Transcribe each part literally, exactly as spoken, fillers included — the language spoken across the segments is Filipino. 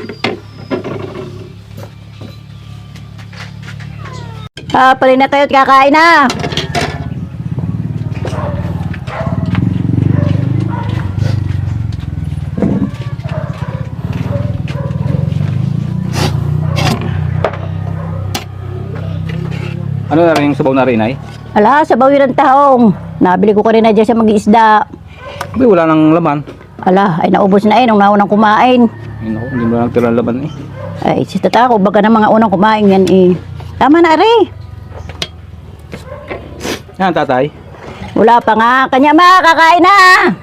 Ah, pali na tayo at kakain na. Ano na rin yung sabaw na rin ay? Ala, sabaw yun ang tahong. Nabili ko kanina dyan sa mag-iisda. Abi, wala nang laman. Ala, ay naubos na eh nung naunang kumain. Ay, naku, hindi mo lang tira laman eh. Ay, si tata ko, baga ng mga unang kumain yan eh. Tama na, Ari. Yan, tatay. Wala pa nga. Kanya ma, kakain na.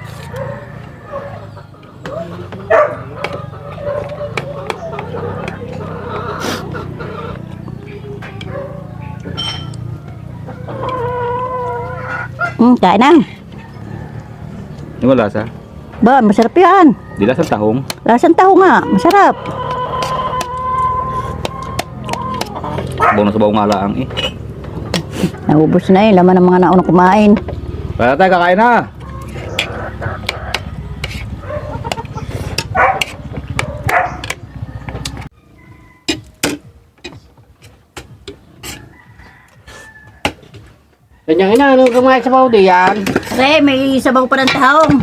Hmm, kain na. Yung wala sa. Ba, masarap yan. Di lasang tahong. Lasang taho nga, masarap. Sabaw na sabaw nga laang eh. Naubos na eh, laman ng mga naunang kumain. Kaya tatay, kakain na. Kanyang ina, anong kumain sa paudi yan? Re, may sabaw pa ng tahong.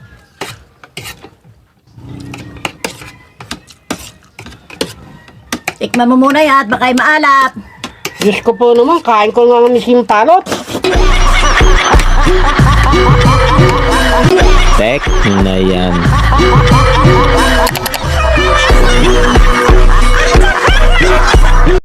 Tikman mo muna yan at baka ay maalap. Diyos ko po naman, kain ko nga ng simpalot. Tek na yan.